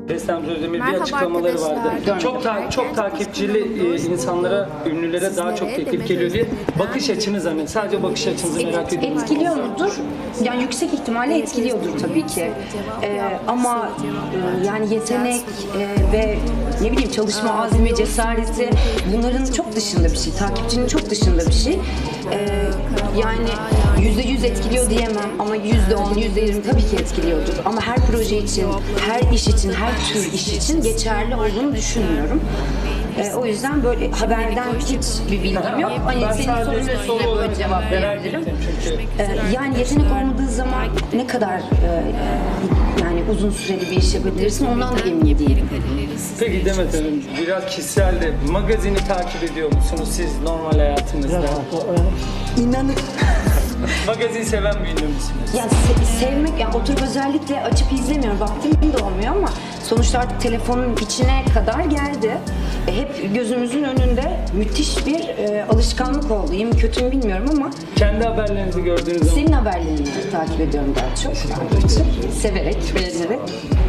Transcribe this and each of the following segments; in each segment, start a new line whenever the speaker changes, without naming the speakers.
Beste Özdemir bir
Merhaba
açıklamaları vardı.
arkadaşlar.
Çok takipçili insanlara, ünlülere daha çok teklif geliyor diye. Bakış açınız hani sadece bakış açınızı merak ediyorum.
Etkiliyor mudur? Yani yüksek ihtimalle etkiliyordur tabii ki. Ama yani yetenek ve ne bileyim çalışma azmi, cesareti bunların çok dışında bir şey. Takipçinin çok dışında bir şey. Yani %100 etkiliyor diyemem ama %10, %20 tabii ki etkiliyordur. Ama her proje için, her iş için, her tür iş için geçerli olduğunu düşünmüyorum. O yüzden böyle haberden hiçbir bilgim yok. Hani
Ben
senin
sadece
sorunun üstüne böyle cevap verebilirim.
Çünkü
Yani yetenek olmadığı zaman ne kadar yani uzun süreli bir iş yapabilirsin ondan da emin değilim.
Peki Demet Hanım, biraz kişisel de magazini takip ediyor musunuz siz normal hayatınızda?
İnanın.
Magazin seven bir ünlü müsünüz?
Ya sevmek, yani oturup özellikle açıp izlemiyorum. Vaktim de olmuyor ama sonuçta artık telefonun içine kadar geldi. Hep gözümüzün önünde müthiş bir alışkanlık oldu. İyi mi kötü mü bilmiyorum ama
Kendi haberlerinizi gördüğünüz zaman
senin haberlerini takip ediyorum daha çok. Severek, beğenerek.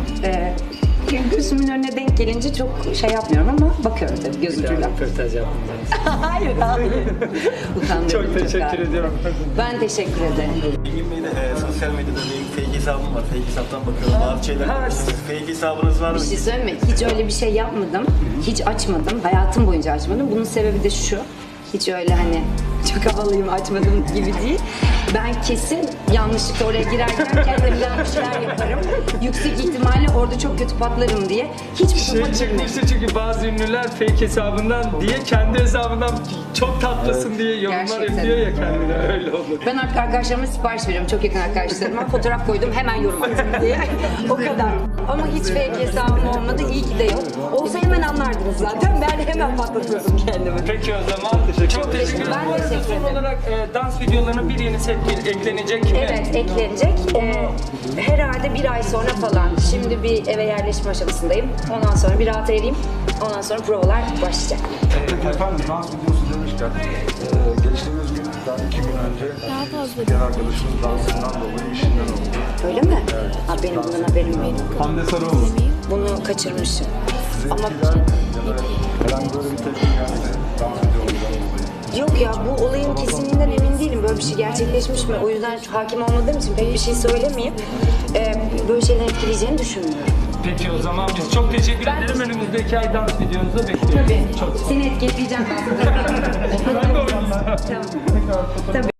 Gözümün önüne denk gelince çok şey yapmıyorum ama bakıyorum tabii göz ucuyla.
röportaj yaptım.
Hayır. Utandırdım
Çok teşekkür
galiba.
ediyorum.
Ben teşekkür ederim.
Engin Bey'de sosyal medyada bir fake hesabım var. Fake hesaptan bakıyorum. Bazı şeyler yapıyorsunuz. Fake hesabınız var mı?
Bir şey söyleyeyim mi? Hiç öyle bir şey yapmadım. Hiç açmadım. Hayatım boyunca açmadım. Bunun sebebi de şu. Hiç öyle hani çok havalıyım açmadım gibi değil. Ben kesin yanlışlıkla oraya girerken kendimden bir şeyler yaparım. Yüksek ihtimalle orada çok kötü patlarım diye. Hiçbir
Şey
topa girmem.
çıkmıştı çünkü bazı ünlüler fake hesabından diye kendi hesabından çok tatlısın diye yorumlar
Gerçekten.
yapıyor ya kendine, öyle olur.
Ben artık arkadaşlarıma sipariş veriyorum. Çok yakın arkadaşlarıma. Fotoğraf koydum hemen yorum attım diye. O kadar. Ama hiç fake hesabım olmadı. İyi ki de yok. Olsa hemen anlardınız zaten. Ben hemen patlatıyordum kendimi.
Peki o zaman çok teşekkür ederim.
Ben
Bu arada
teşekkür
son
ederim.
olarak dans videolarına bir yeni set eklenecek mi?
Evet, eklenecek. Herhalde bir ay sonra falan. Şimdi bir eve yerleşme aşamasındayım. Ondan sonra bir rahat ereyim. Ondan sonra provalar başlayacak.
Peki efendim dans videosu demişken geçtiğimiz günden 2 gün önce bir arkadaşımız dansından dolayı işinden oldu.
Öyle mi? Ha, benim bundan haberim yok.
Hande Sarıoğlu.
Bunu kaçırmışım. Ama
Sizinkiler ya da herhangi böyle bir tepki geldi dans videolarından dolayı.
yok ya, bu olayın kesinliğinden emin değilim. Böyle bir şey gerçekleşmiş mi? O yüzden hakim olmadığım için pek bir şey söylemeyeyim. Böyle şeyler etkileyeceğini düşünmüyorum.
Peki o zaman biz çok teşekkür ederim. Önümüzdeki ay dans videonuzu bekliyoruz.
Tabii.
Çok sağ olun.
Seni etkileyeceğim.
Ben de oynayacağım.
Tamam. Tabii.